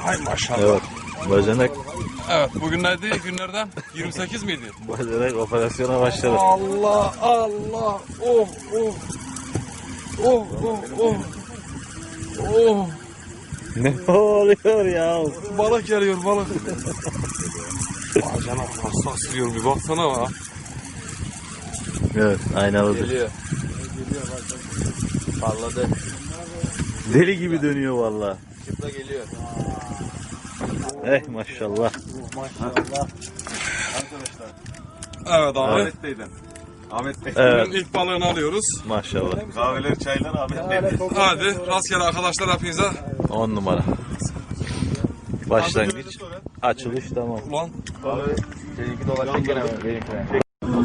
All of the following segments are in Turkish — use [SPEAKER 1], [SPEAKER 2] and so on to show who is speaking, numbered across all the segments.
[SPEAKER 1] Hay maşallah.
[SPEAKER 2] Evet. Bacanak.
[SPEAKER 1] Evet, bugün neydi? Günlerden 28 miydi?
[SPEAKER 2] Bacanak operasyona başladı.
[SPEAKER 1] Allah Allah. Oh oh. Oh oh oh. Oh.
[SPEAKER 2] Ne oluyor ya?
[SPEAKER 1] Balık geliyor balık. Bacanak nasıl asılıyor bir baksana bak.
[SPEAKER 2] Evet, aynalıdır.
[SPEAKER 1] Geliyor.
[SPEAKER 3] Parladı.
[SPEAKER 2] Deli gibi dönüyor valla.
[SPEAKER 3] Çıpla geliyor.
[SPEAKER 2] Maşallah.
[SPEAKER 3] Maşallah.
[SPEAKER 1] Evet abi.
[SPEAKER 4] Ahmet Bey'den. Ahmet Bey.
[SPEAKER 2] Evet,
[SPEAKER 1] Bugün ilk balığını alıyoruz.
[SPEAKER 2] maşallah.
[SPEAKER 4] Kahveler, çaylar Ahmet Bey'den.
[SPEAKER 1] Hadi rastgele arkadaşlar hepinize.
[SPEAKER 2] 10 numara. Başlangıç. Açılış tamam.
[SPEAKER 1] Ulan
[SPEAKER 3] Seninki dolaşacak gene mi? Benimkine.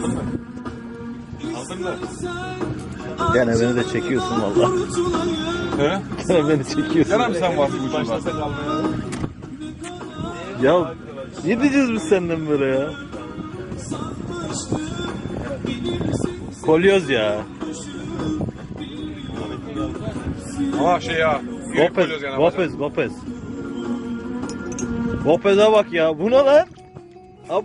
[SPEAKER 4] Aldın mı?
[SPEAKER 2] Gene beni de çekiyorsun valla.
[SPEAKER 1] he?
[SPEAKER 2] Gene beni çekiyorsun.
[SPEAKER 1] Gene mi sen varsın bu ucunda?
[SPEAKER 4] Başlasak almaya.
[SPEAKER 2] Ya ne diyeceğiz biz senden böyle ya? Kolyoz ya.
[SPEAKER 1] Ha şey ya. Yürek
[SPEAKER 2] Gopez,
[SPEAKER 1] koyuyoruz yani.
[SPEAKER 2] Gopez, Gopez. Gopez'e bak ya. Bu ne lan? Abo!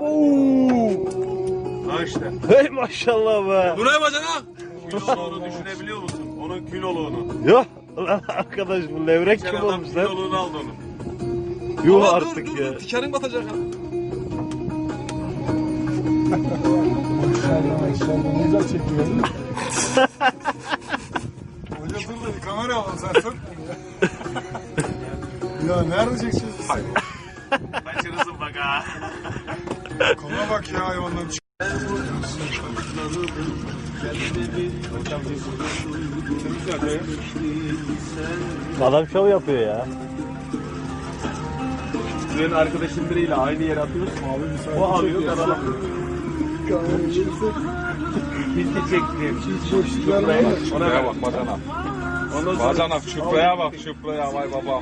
[SPEAKER 4] Ha işte.
[SPEAKER 2] Hey maşallah be.
[SPEAKER 1] Bu ne bacanak?
[SPEAKER 4] Kiloluğunu düşünebiliyor musun? Onun kiloluğunu.
[SPEAKER 2] Yok lan arkadaş bu levrek
[SPEAKER 4] Geçen
[SPEAKER 2] kim
[SPEAKER 4] adam
[SPEAKER 2] olmuş lan?
[SPEAKER 4] kiloluğunu aldı onun.
[SPEAKER 2] Yuh
[SPEAKER 1] Aa,
[SPEAKER 2] artık
[SPEAKER 1] dur,
[SPEAKER 2] ya.
[SPEAKER 1] dur, dikenin batacak ya.
[SPEAKER 5] Maşallah ne güzel çekiyor. Hoca dur da bir kamera alalım sen sök. Ya nerede çekeceğiz?
[SPEAKER 4] Kaçırırsın bak ha.
[SPEAKER 5] Kola bak ya hayvanların.
[SPEAKER 2] Adam şov yapıyor ya.
[SPEAKER 4] Senin arkadaşın biriyle aynı yere atıyorsun. O alıyor, ben alamıyorum. Biz de çektik.
[SPEAKER 1] Şuraya bak bacanak.
[SPEAKER 4] Ondan sonra
[SPEAKER 1] Bacanak şükraya bak şükraya vay baba.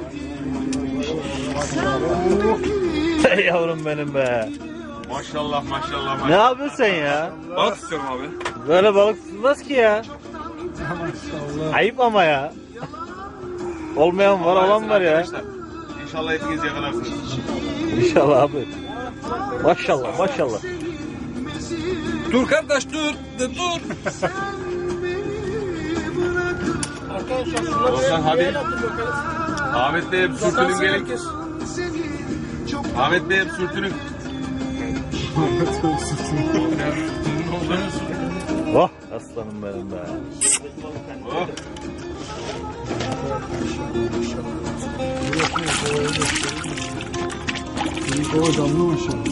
[SPEAKER 2] Hey yavrum benim be.
[SPEAKER 4] maşallah maşallah
[SPEAKER 2] Ne
[SPEAKER 4] maşallah.
[SPEAKER 2] yapıyorsun sen ya?
[SPEAKER 1] Balık istiyorum abi.
[SPEAKER 2] Böyle balık tutulmaz ki ya. Ayıp ama ya. Olmayan var, olan var ya.
[SPEAKER 4] Arkadaşlar, İnşallah hepiniz yakalarsınız.
[SPEAKER 2] İnşallah abi. Maşallah, maşallah.
[SPEAKER 1] Dur kardeş dur. Dur.
[SPEAKER 4] Olsan hadi. Ahmet Bey hep sürtünün gelin. Ahmet Bey hep sürtünün.
[SPEAKER 2] Oh aslanım benim be.
[SPEAKER 4] Oh.
[SPEAKER 5] Kola damla maşallah.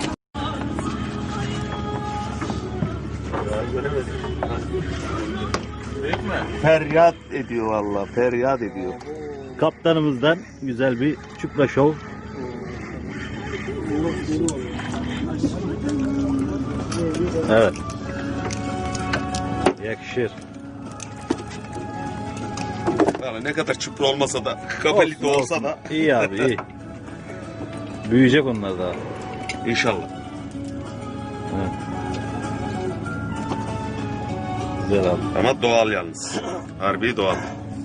[SPEAKER 2] Feryat ediyor valla, feryat ediyor. Kaptanımızdan güzel bir çupra şov. Evet. Yakışır.
[SPEAKER 4] Yani ne kadar çupra olmasa da, kafelik de olsa da.
[SPEAKER 2] İyi abi iyi. Büyüyecek onlar daha.
[SPEAKER 4] İnşallah.
[SPEAKER 2] Evet. Güzel abi.
[SPEAKER 4] Ama doğal yalnız. Harbi doğal.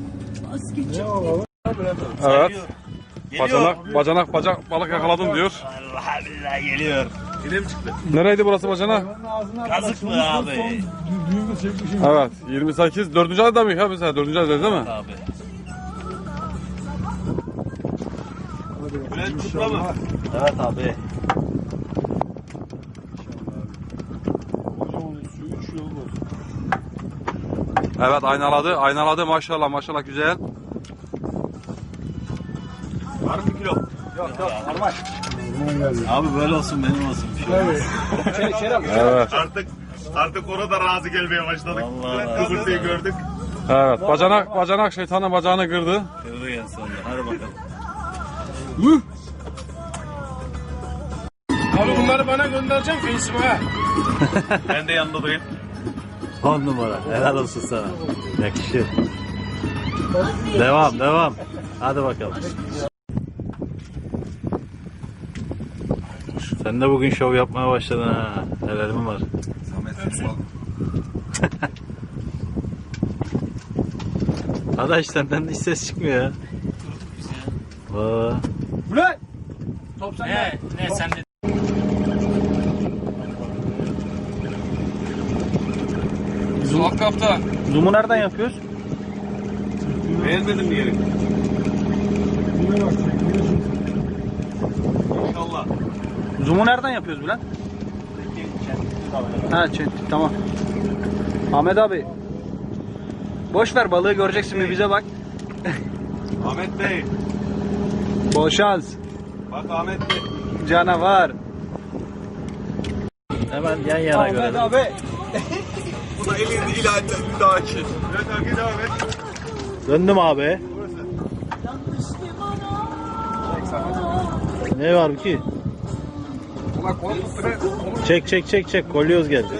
[SPEAKER 1] Evet. Bacanak balık yakaladım diyor.
[SPEAKER 2] Allah billahi geliyor.
[SPEAKER 4] Yine mi çıktı?
[SPEAKER 1] Nereydi burası bacanak?
[SPEAKER 2] Kazık mı abi?
[SPEAKER 5] Düğümü çekmişim.
[SPEAKER 1] Evet 28. 4. ayda mı ya mesela 4. ayda değil mi?
[SPEAKER 2] Abi.
[SPEAKER 4] Bülent çupra mı?
[SPEAKER 2] Evet abi.
[SPEAKER 5] Hocam suyu 3 yıl oldu.
[SPEAKER 1] Evet aynaladı maşallah maşallah güzel.
[SPEAKER 4] Var mı kilo?
[SPEAKER 5] Aman geldi.
[SPEAKER 2] Abi böyle olsun benim olsun.
[SPEAKER 1] Evet.
[SPEAKER 4] Artık ona da razı gelmeye başladık.
[SPEAKER 2] Vallahi.
[SPEAKER 4] Kıvırtıyı gördük.
[SPEAKER 1] Evet bacanak şeytanın bacağını kırdı.
[SPEAKER 2] Kırdı en sonunda. Hadi bakalım.
[SPEAKER 5] Abi bunları bana göndereceğim Facebook'a.
[SPEAKER 4] Ben de yanında durayım.
[SPEAKER 2] 10 numara. Helal olsun sana. Yakışır. Devam. Hadi bakalım. Sen de bugün şov yapmaya başladın ha. Helalim var. Adaş senden hiç ses çıkmıyor ya. Vaa.
[SPEAKER 5] Ulan! Top sende.
[SPEAKER 2] Ne sen de.
[SPEAKER 1] Zoom kapta.
[SPEAKER 2] Zoom'u nereden yapıyoruz?
[SPEAKER 4] Beğenmedin mi yeri?
[SPEAKER 5] Yine bak.
[SPEAKER 4] İnşallah.
[SPEAKER 2] Zoom'u nereden yapıyoruz Bülent? Ha tamam. Ahmet abi. Boş ver balığı göreceksin bir bize bak.
[SPEAKER 4] Ahmet Bey.
[SPEAKER 2] Bol şans.
[SPEAKER 4] Bak Ahmet Bey.
[SPEAKER 2] Canavar. Hemen yan yana görelim.
[SPEAKER 5] abi.
[SPEAKER 4] Bu da elini ilanla bir daha için. Evet abi devam et.
[SPEAKER 2] Döndüm abi. Ne var ki? Çek. Kolyoz geldi.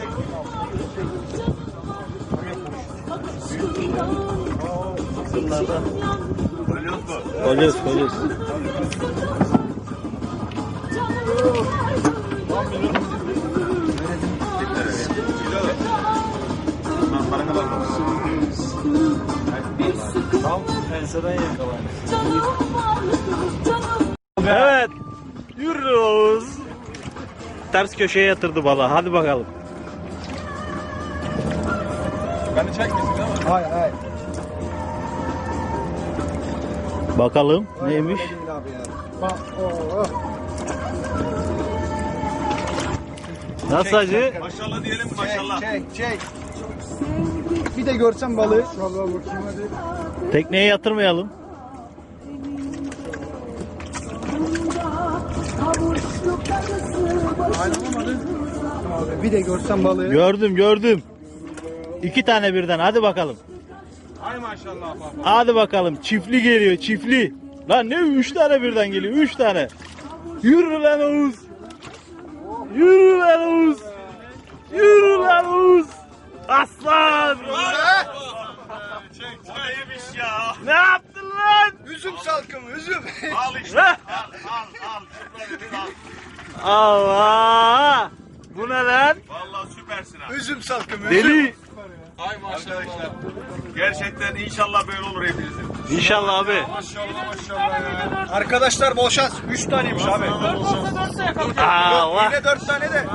[SPEAKER 2] Kolyoz.
[SPEAKER 3] Tam enseden yakalandı.
[SPEAKER 2] Evet. Yürüyoruz. Ters köşeye yatırdı balığı. Hadi bakalım.
[SPEAKER 1] Beni çekmesin değil mi?
[SPEAKER 5] Hayır.
[SPEAKER 2] Bakalım neymiş?
[SPEAKER 5] Bak.
[SPEAKER 2] Nasıl acı?
[SPEAKER 4] Maşallah diyelim maşallah.
[SPEAKER 5] Çek. Bir de görsem balığı. Vallahi bakayım hadi.
[SPEAKER 2] Tekneye yatırmayalım.
[SPEAKER 5] Bir de görsem balığı.
[SPEAKER 2] Gördüm. 2 tane birden. Hadi bakalım.
[SPEAKER 4] Ay maşallah bak.
[SPEAKER 2] Hadi bakalım. Çiftli geliyor. Çiftli. Lan ne 3 tane birden geliyor. 3 tane. Yürü lan Oğuz. Yürü lan Oğuz. Aslan.
[SPEAKER 4] O neymiş ya?
[SPEAKER 2] Ne yaptın lan?
[SPEAKER 5] Üzüm salkımı, üzüm.
[SPEAKER 4] Al işte. Al. Şunları al.
[SPEAKER 2] Allah. Bu ne lan?
[SPEAKER 4] Vallahi süpersin abi.
[SPEAKER 5] Üzüm salkımı,
[SPEAKER 2] Deli.
[SPEAKER 1] Ay maşallah.
[SPEAKER 4] Arkadaşlar gerçekten inşallah böyle olur hepinizin.
[SPEAKER 2] İnşallah abi.
[SPEAKER 5] Arkadaşlar bol şans. 3 taneymiş abi.
[SPEAKER 2] Allah.
[SPEAKER 5] Yine 4 tane de.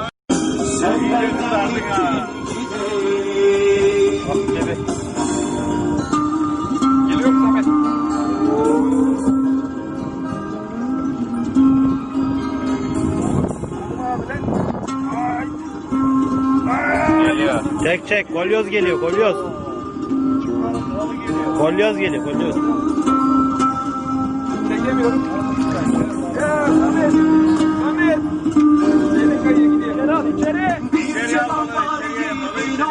[SPEAKER 2] Çek. Kolyoz geliyor. Kolyoz geliyor.
[SPEAKER 5] Çekemiyorum. Ahmet. Seni kayıya gidiyor. Gel al içeri.
[SPEAKER 4] İçeriye al balığı, içeriye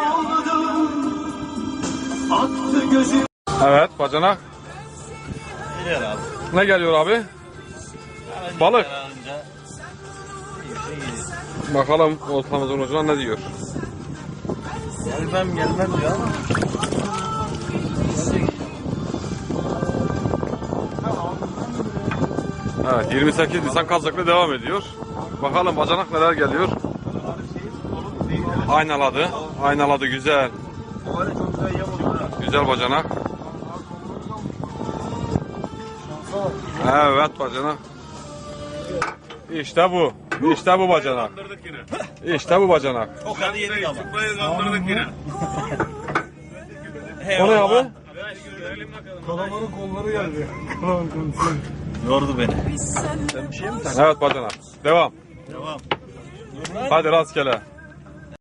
[SPEAKER 4] balığı.
[SPEAKER 1] Evet bacanak.
[SPEAKER 2] Geliyor abi.
[SPEAKER 1] Ne geliyor abi? Balık. Bakalım oltamızın ucuna ne diyor?
[SPEAKER 2] Gelmem diyor ama.
[SPEAKER 1] Evet 28 Nisan kazakla devam ediyor. Bakalım bacanak neler geliyor. Aynaladı güzel. Güzel bacanak. Evet bacanak. İşte bu bacanak. İşte bu bacanak.
[SPEAKER 4] O kadar yedik ama. Çuprayı kandırdık yine.
[SPEAKER 1] O ne abi?
[SPEAKER 5] Kalamarın kolları geldi.
[SPEAKER 2] Yordu beni.
[SPEAKER 1] Evet bacanak. Devam. Hadi rastgele.